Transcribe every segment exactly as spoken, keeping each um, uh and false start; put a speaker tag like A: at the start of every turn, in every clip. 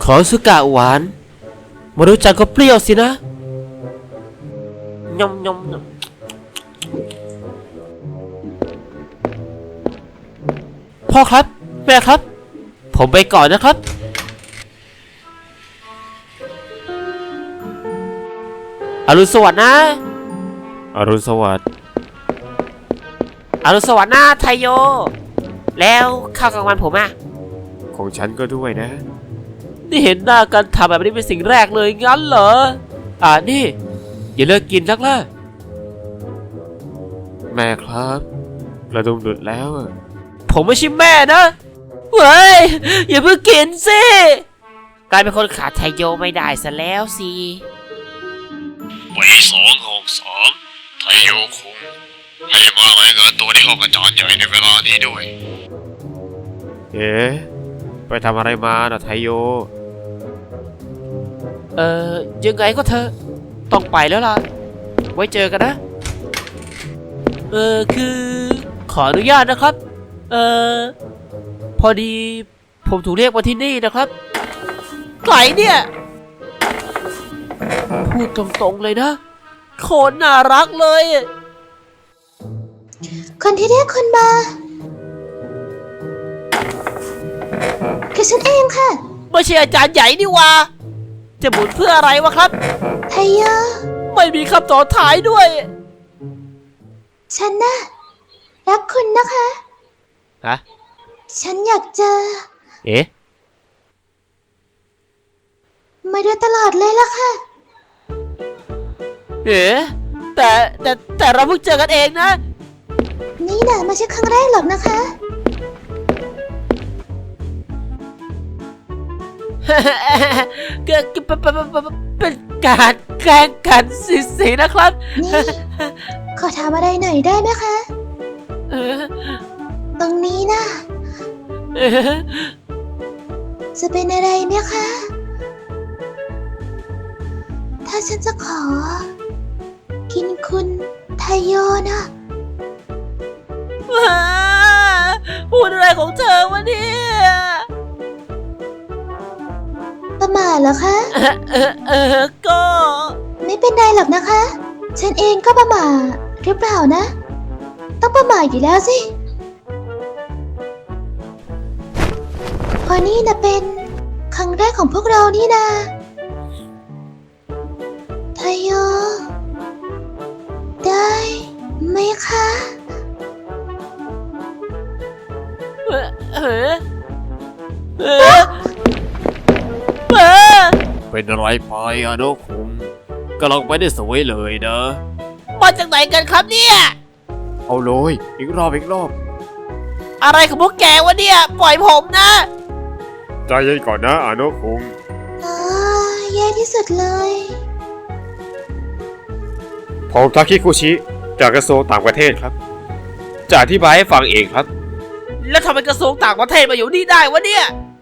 A: ขอสุกะหวานมารู้จักก็เปรี้ยวสินะยมยมยมพ่อครับแม่ครับผมไปก่อนนะครับอรุณสวัสดิ์นะอรุณสวัสดิ์อรุณสวัสดิ์นะไทโยแล้วข้าวกลางวันผมอะของฉันก็ด้วยนะนี่เห็นหน้ากันทำแบบนี้เป็นสิ่งแรกเลยงั้นเหรออ่านี่อย่าเลิกกินนักล่ะแม่ครับกระดุมหลุดแล้วผมไม่ใช่แม่นะเฮ้ยอย่าเพิ่งกินสิกลายเป็นคนขาดไทโยไม่ได้ซะแล้วสิ
B: ปีสองหกสามไทโยคุงให้มารายงานตัวที่ห้องอาจารย์ใหญ่ในเวลานี้ด้วย
A: เอ๊ะไปทำอะไรมาน่ะไทโยเอ่อยังไงก็เธอต้องไปแล้วล่ะไว้เจอกันนะเออคือขออนุญาตนะครับเออพอดีผมถูกเรียกมาที่นี่นะครับไก่เนี่ยพูดตรงๆเลยนะโคตรน่ารักเลย
C: คนที่เรียกคุณมาคือฉันเองค่ะ
A: ไม่ใช่อาจารย์ใหญ่นี่วะจะหมุนเพื่ออะไรวะครับ
C: ไทโย
A: ไม่มีคำต่อท้ายด้วย
C: ฉันน่ะรักคุณนะคะ
A: ฮะ
C: ฉันอยากเจอ
A: เอ๊ะ
C: มาโดยตลอดเลยล่ะค่ะ
A: เอ๊ะแต่แต่แต่เราเพิ่งเจอกันเองนะ
C: นี่น่ะไม่ใช่ครั้งแรกหรอกนะคะ
A: ก็เป็นการแกล้งกันสิๆนะครับ
C: นี่ขอถามอะไรหน่อยได้ไหมคะตรงนี้นะจะเป็นอะไรไหมคะถ้าฉันจะขอกินคุณไทโยนะ
A: พูดอะไรของเธอวะเนี่ย
C: ประมาทเหรอคะ
A: เออเออก็
C: ไม่เป็นไรหรอกนะคะฉันเองก็ประมาทหรือเปล่านะต้องประมาทอยู่แล้วสิพอนี่นะเป็นครั้งแรกของพวกเรานี่นะไทโยได้ไหมคะ
A: เออเออเออเป็นอะไรไปอะโนคุงกำลังไปได้สวยเลยนะมาจากไหนกันครับเนี่ยเอาเลยอีกรอบอีกรอบอะไรของพวกแกวะเนี่ยปล่อยผมนะ
B: ใจเย็นก่อนนะอาโนคุง
C: อ๋อแย่ที่สุดเลย
B: ผมทาคิคุชิจากกระทรวงต่างประเทศครับจะอธิบายให้ฟังเองครับ
A: แล้วทำไมกระทรวงต่างประเทศมาอยู่นี่ได้วะเนี่ย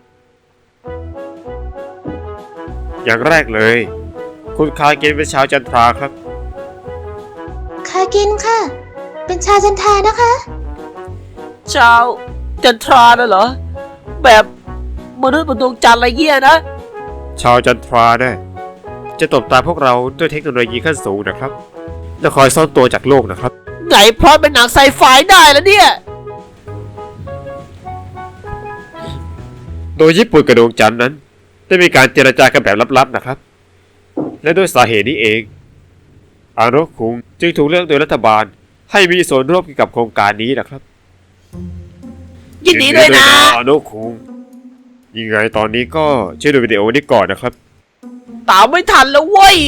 B: อย่างแรกเลยคุณคาเกนเป็นชาวจันทราครับ
C: คาเกนค่ะเป็นชาวจันทรานะคะ
A: ชาวจันทราน่ะเหรอแบบมนุษย์บนดวงจันทร์อะไรเงี้ยนะ
B: ชาวจันทราเนี่ยจะตบตาพวกเราด้วยเทคโนโลยีขั้นสูงนะครับและคอยซ่อนตัวจากโลกนะครับ
A: ไงเพราะเป็นหนังไซไฟได้แล้วเนี่ย
B: โดยญี่ปุ่นกับดวงจันทร์นั้นได้มีการเจรจากันแบบลับๆนะครับและด้วยสาเหตุนี้เองอาโนคุงจึงถูกเลือกโดยรัฐบาลให้มีส่วนร่วมเกี่ยวกับโครงการนี้นะครับ
A: ยินดีด้วยนะ
B: อาโนคุงยังไงตอนนี้ก็ช่วยดูวิดีโอนี้ก่อนนะครับ
A: ตามไม่ทันแล้วเว้ย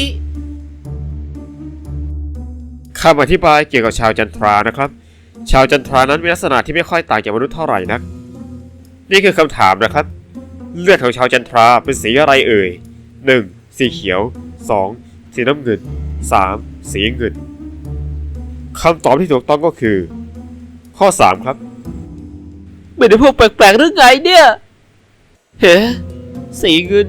B: คำอธิบายเกี่ยวกับชาวจันทรานะครับชาวจันทรานั้นมีลักษณะที่ไม่ค่อยต่างจากมนุษย์เท่าไหร่นักนี่คือคำถามนะครับเลือดของชาวจันทราเป็นสีอะไรเอ่ย หนึ่ง. สีเขียว สอง. สีน้ำเงิน สาม. สีเงินคำตอบที่ถูกต้องก็คือข้อสามครับ
A: ไม่ได้พวกแปลกๆหรือไงเนี่ยเฮ้สีเงิน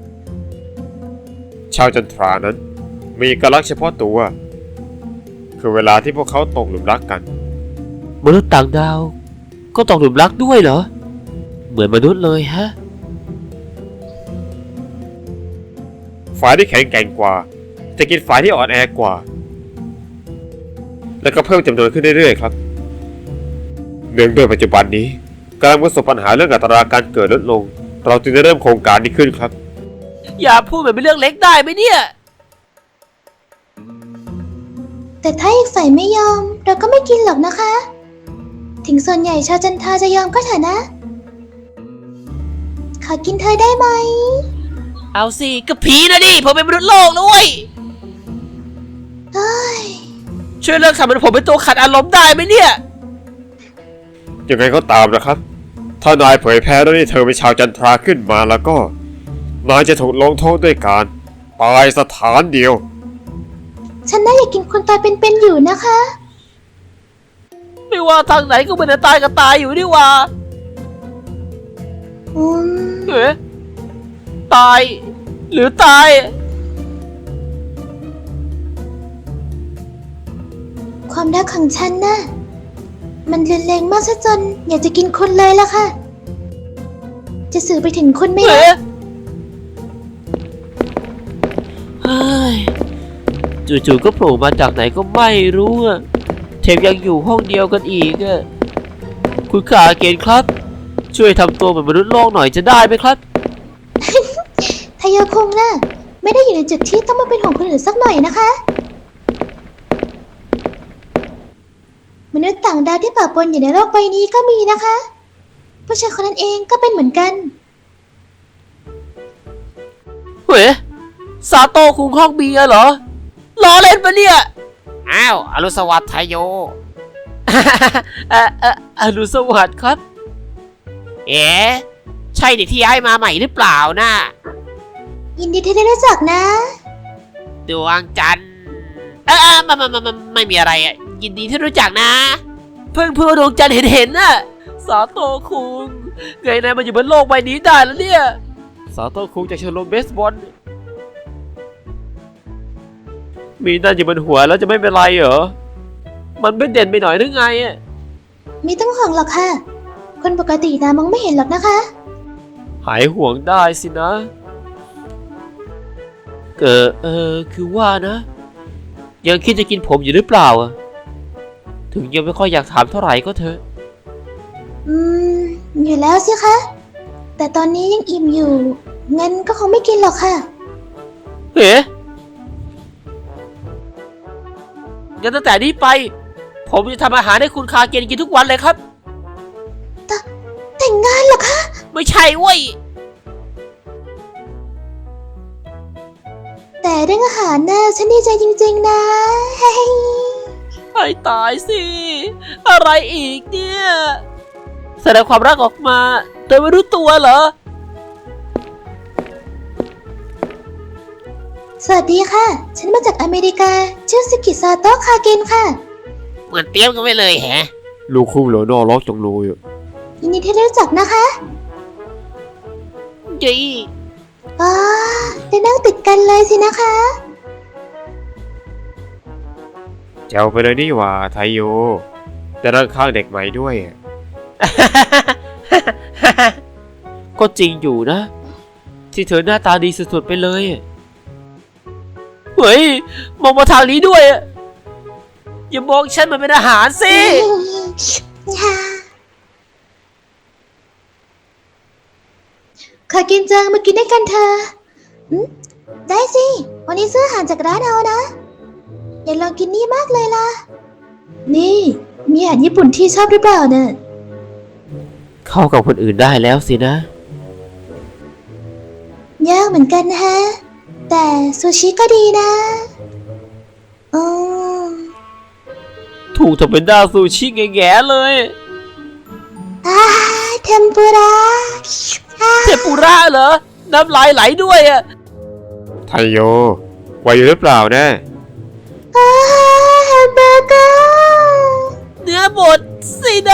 B: ชาวจันทรานั้นมีเอกลักษณ์เฉพาะตัวคือเวลาที่พวกเขาตกหลุมรักกัน
A: มนุษย์ต่างดาวก็ตกหลุมรักด้วยเหรอเหมือนมนุษย์เลยฮะ
B: ฝ่ายที่แข็งแกร่งกว่าจะกินฝ่ายที่อ่อนแอกว่า และก็เพิ่มจำนวนขึ้นเรื่อยๆครับเนื่องด้วยปัจจุบันนี้กำลังประสบปัญหาเรื่องอัตราการเกิดลดลง เราจึงได้เริ่มโครงการนี้ขึ้นครับ
A: อย่าพูดแบบเป็นเรื่องเล็กได้ไหมเนี่ย
C: แต่ถ้าอีกฝ่ายไม่ยอม เราก็ไม่กินหรอกนะคะ ถึงส่วนใหญ่ชาวจันทราจะยอมก็เถอะนะ ขอกินเธอได้ไหม
A: เอาสิก็ผีนะดิผมเป็นมนุษย์โลกนะเว้ย
C: เฮ้ย
A: ช่วยเลิกทำเป็นผมเป็นตัวขัดอารมณ์ได้ไหมเนี่ย
B: ยังไงก็ตามนะครับ ถ้านายเผยแพร่เรื่องที่เธอเป็นชาวจันทราขึ้นมาแล้วก็นายจะถูกลงโทษด้วยการตายสถานเดียว
C: ฉันน่าอยากกินคนตายเป็นๆอยู่นะคะ
A: ไม่ว่าทางไหนก็เป็นตายกับตายอยู่นี่หว่า
C: อืม
A: เอ๊ะตายหรือตาย
C: ความรักของฉันน่ะ มันรุนแรงมากซะจนอยากจะกินคนเลยล่ะค่ะ จะสื่อไปถึงคนไหม
A: เอ๊ะ
C: ล่ะ
A: เฮ้ยจู่ๆก็โผล่มาจากไหนก็ไม่รู้อะแถมยังอยู่ห้องเดียวกันอีกอะคุณขาเกณฑ์ครับ ช่วยทำตัวเหมือนมนุษย์โลกหน่อยจะได้ไหมครับ
C: ทายาคงน่ะ ไม่ได้อยู่ในจุดที่ต้องมาเป็นของคนอื่นสักหน่อยนะคะ มนุษย์ต่างดาวที่ปะปนอยู่ในโลกใบนี้ก็มีนะคะ ผู้ชายคนนั้นเองก็เป็นเหมือนกัน
A: เฮ้ยซาโต้คุงห้องเบียร์เหรอล้อเล่นปะเนี่ย
D: อ้าวอรุณสวัสดิ์ไทโย
A: เอ่อเอ่ออรุณสวัสดิ์ครับ
D: เอ๋ใช่เด็กที่ย้ายมาใหม่หรือเปล่านะ
C: ยินดีที่ได้รู้จักนะ
D: ดวงจันทร์เออเออไมามามามาไม่มีอะไรอ่ะ ยินดีที่รู้จักนะ
A: เพิ่งเพื่อดวงจันทร์เห็นเห็นน่ะซาโต้คุงไงนายมาอยู่บนโลกใบนี้ได้แล้วเนี่ยซาโต้คุงจากชมรมเบสบอลมีนั่นอยู่บนหัวแล้วจะไม่เป็นไรเหรอมันไม่เด่นไปหน่อยหรือไงอะ
C: ไม่ต้องห่วงหรอกค่ะ คนปกตินะมองไม่เห็นหรอกนะคะ
A: หายห่วงได้สินะเออเออคือว่านะ ยังคิดจะกินผมอยู่หรือเปล่าอะถึงยังไม่ค่อยอยากถามเท่าไหร่ก็เถอะ
C: อืม อยู่แล้วสิคะ แต่ตอนนี้ยังอิ่มอยู่ งั้นก็คงไม่กินหรอกค่ะ
A: เฮ้งั้นตั้งแต่นี้ไป ผมจะทำอาหารให้คุณคาเกนกินทุกวันเลยครับ
C: แต่งงานเหรอคะ
A: ไม่ใช่เว้ย
C: แต่เรื่องอาหารน่ะฉันดีใจจริงๆนะเฮ้ย
A: ให้ตายสิ อะไรอีกเนี่ย แสดงความรักออกมา โดยไม่รู้ตัวเหรอ
C: สวัสดีค่ะ ฉันมาจากอเมริกา ชื่อสกิซาโตะคาเกนค่ะ
D: เหมือนเตรียมกันไว้เลยแฮะ
B: ลูกคุ้มเหลือนอล็อกจังเลยอะ
C: ยินดีที่ได้รู้จักนะคะ
A: จี
C: อ๋อได้นั่งติดกันเลยสินะคะ
B: เจ้าไปเลยนี่หว่าไทโยแต่ด้านข้างเด็กใหม่ด้วยอะ
A: ก็จริงอยู่นะ ที่เธอหน้าตาดีสุดๆไปเลย เฮ้ย มองมาทางนี้ด้วยอะอย่ามองฉันเหมือนเป็นอาหารสิ
C: ขอกินจังมากินด้วยกันเธอะอืมได้สิ วันนี้ซื้ออาหารจากร้านเอานะ อยากลองกินนี่มากเลยล่ะ นี่ มีอาหารญี่ปุ่นที่ชอบหรือเปล่าเนี่ย
A: เข้ากับคนอื่นได้แล้วสินะ
C: ยากเหมือนกันฮะ แต่ซูชิก็ดีนะอืม
A: ถูกทำเป็นด้าซูชิแง่ๆเลย
C: อ่าเทมปุระอ่า
A: เทมปุระเหรอ น้ำลายไหลด้วยอะ
B: ไทโยไหวอยู่หรือเปล่านะ
C: อ่าแฮมเบอร์เกอร์
A: เนื้อบดสินะ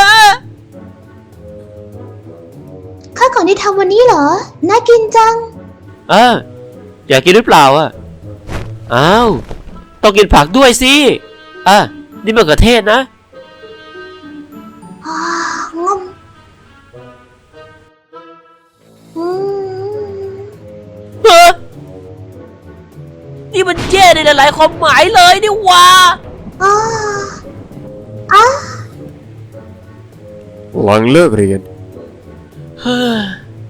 C: ข้าวของที่ทำวันนี้เหรอ น่ากินจัง
A: อ่าอยากกินหรือเปล่าอ่ะ อ้าว ต้องกินผักด้วยสิ อ่ะ นี่มะเขือเทศนะ
C: อ่างมอืม
A: เฮ้อ
D: แย่ในหลายๆความหมายเลยนี่หว่า
C: อ๋ออ๋อ
B: หลังเลิกเรียน
D: เฮ้ย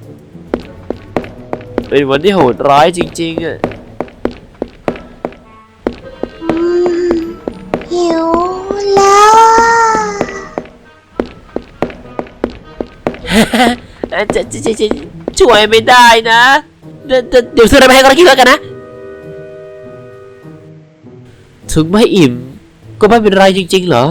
D: เป็นวันที่โหดร้ายจริงๆอะ
C: อืมหิวแล้วอ่ะ
D: จะจะจะจะช่วยไม่ได้นะเดี๋ยวเดี๋ยวเดี๋ยวซื้ออะไรมาให้เรากินแล้วกันนะ ถึงไม่อิ่มก็ไม่เป็นไรจริงๆเหรอ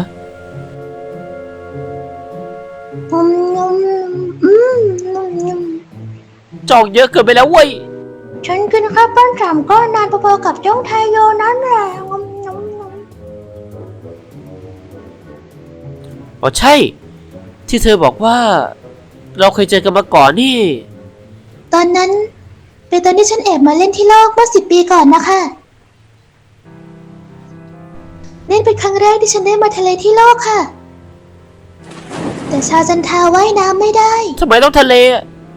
C: อืมอืมอืมอืม
D: จองเยอะเกินไปแล้วเว้ย
C: ฉันกินข้าวปั้นสามก้อนนานพอๆกับจ้องไทยโยนั่นแหละอืมอืมอืม
D: อ๋อใช่ ที่เธอบอกว่า เราเคยเจอกันมาก่อนนี่
C: ตอนนั้นเป็นตอนที่ฉันแอบมาเล่นที่โลกเมื่อสิบปีก่อนนะคะนี่เป็นครั้งแรกที่ฉันได้มาทะเลที่โลกค่ะ แต่ชาวจันทราว่ายน้ำไม่ได้
D: ทำไมต้องทะเลอะ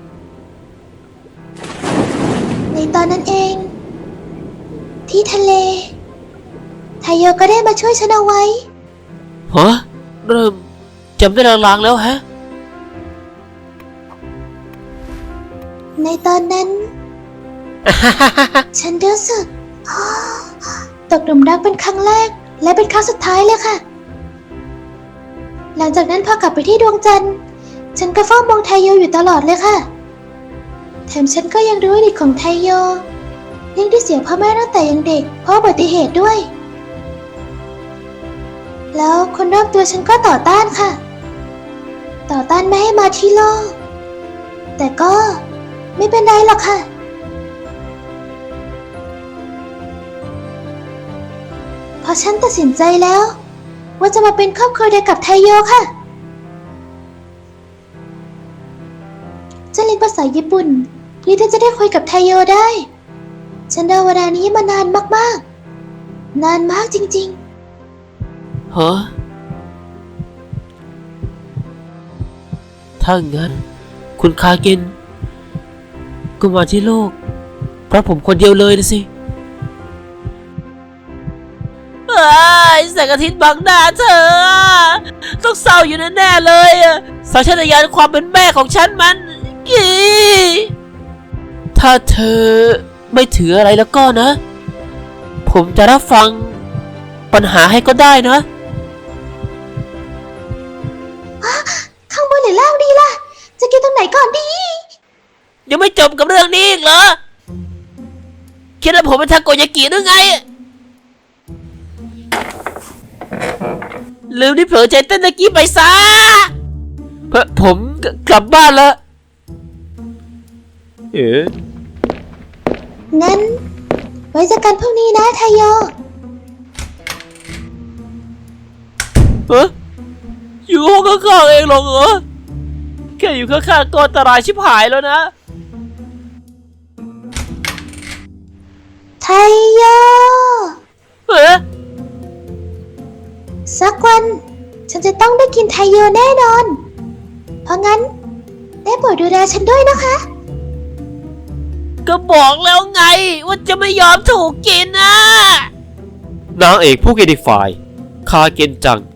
C: ในตอนนั้นเอง ที่ทะเลไทโยก็ได้มาช่วยฉันเอาไว้
D: ฮะเริ่มจำได้ลางๆแล้วฮะ
C: ในตอนนั้น ฉันรู้สึก ตกหลุมรักเป็นครั้งแรกและเป็นครั้งสุดท้ายเลยค่ะ หลังจากนั้นพอกลับไปที่ดวงจันทร์ ฉันก็เฝ้ามองไทโยอยู่ตลอดเลยค่ะ แถมฉันก็ยังรู้อดีตของไทโยเรื่องที่เสียพ่อแม่ตั้งแต่ยังเด็กเพราะอุบัติเหตุด้วย แล้วคนรอบตัวฉันก็ต่อต้านค่ะ ต่อต้านไม่ให้มาที่โลก แต่ก็ไม่เป็นไรหรอกค่ะ เพราะฉันตัดสินใจแล้ว ว่าจะมาเป็นครอบครัวเดียวกับไทโยค่ะฉันเรียนภาษาญี่ปุ่นเพื่อที่จะได้คุยกับไทโยได้ ฉันรอเวลานี้มานานมากๆ นานมากจริง
D: ฮะ ถ้างั้น คุณคาเกนก็มาที่โลก เพราะผมคนเดียวเลยนะสิเอ้ยแสงอาทิตย์บังหน้าเธอ ต้องเศร้าอยู่แน่ๆเลยอะสัญชาตญาณความเป็นแม่ของฉันมันอีถ้าเธอไม่ถืออะไรแล้วก็นะ ผมจะรับฟังปัญหาให้ก็ได้นะ
C: ๆ ข้างบนหรือล่างดีล่ะ จะกินตรงไหนก่อนดี
D: ยังไม่จบกับเรื่องนี้อีกเหรอ คิดว่าผมเป็นทาโกยากิหรือไง ลืมที่เผลอใจเต้นตะกี้ไปซะเพราะผมกลับบ้านแล้ว
B: เอ๋
C: งั้น ไว้เจอกันพรุ่งนี้นะไทโย
D: เฮ้ยอยู่ห้องข้างๆเองเหรอเหรอ แค่อยู่ข้างๆก็อันตรายชิบหายแล้วนะ
C: ไทโย
D: เฮ้ย
C: สักวัน ฉันจะต้องได้กินไทโยแน่นอน เพราะงั้น ได้โปรดดูแลฉันด้วยนะคะ
D: ก็บอกแล้วไงว่าจะไม่ยอมถูกกินนะ
B: นางเอกผู้เกดิฟายคาเกนจัง